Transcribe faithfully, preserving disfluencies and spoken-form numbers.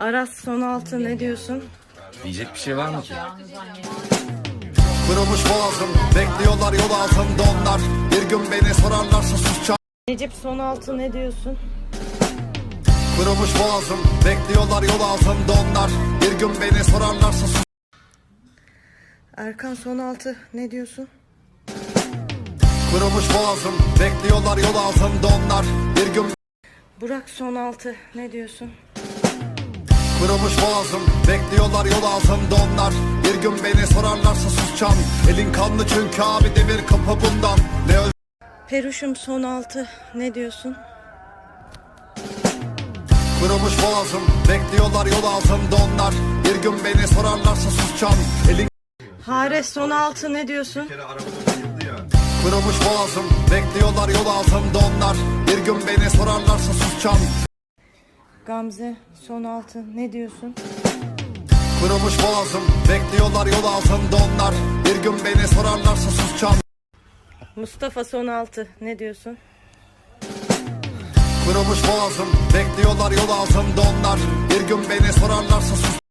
Aras son altı ne diyorsun? Diyecek bir şey var mı ki? Kırılmış boğazım, bekliyorlar yol altında onlar. Bir gün beni sorarlarsa susacağım. Necip son altı ne diyorsun? Kırılmış boğazım, bekliyorlar yol altında onlar. Bir gün beni sorarlarsa sus. Erkan son altı ne diyorsun? Kırılmış boğazım, bekliyorlar yol altında onlar. Bir gün Burak son altı ne diyorsun? Kırılmış boğazım, bekliyorlar yol altında onlar. Bir gün beni sorarlarsa susacağım. Elin kanlı çünkü abi demir kapı bundan. Ne öz Peruş'um son altı ne diyorsun? Kırılmış boğazım, bekliyorlar yol altında onlar. Bir gün beni sorarlarsa susacağım. Elin Hare son altı ne diyorsun? Kırılmış boğazım, bekliyorlar yol altında onlar. Bir gün beni sorarlarsa susacağım. Gamze son altı ne diyorsun? Kırılmış boğazım, bekliyorlar yol altında onlar. Bir gün beni sorarlarsa susacağım. Mustafa son altı ne diyorsun? Kırılmış boğazım, bekliyorlar yol altında onlar. Bir gün beni sorarlarsa sus.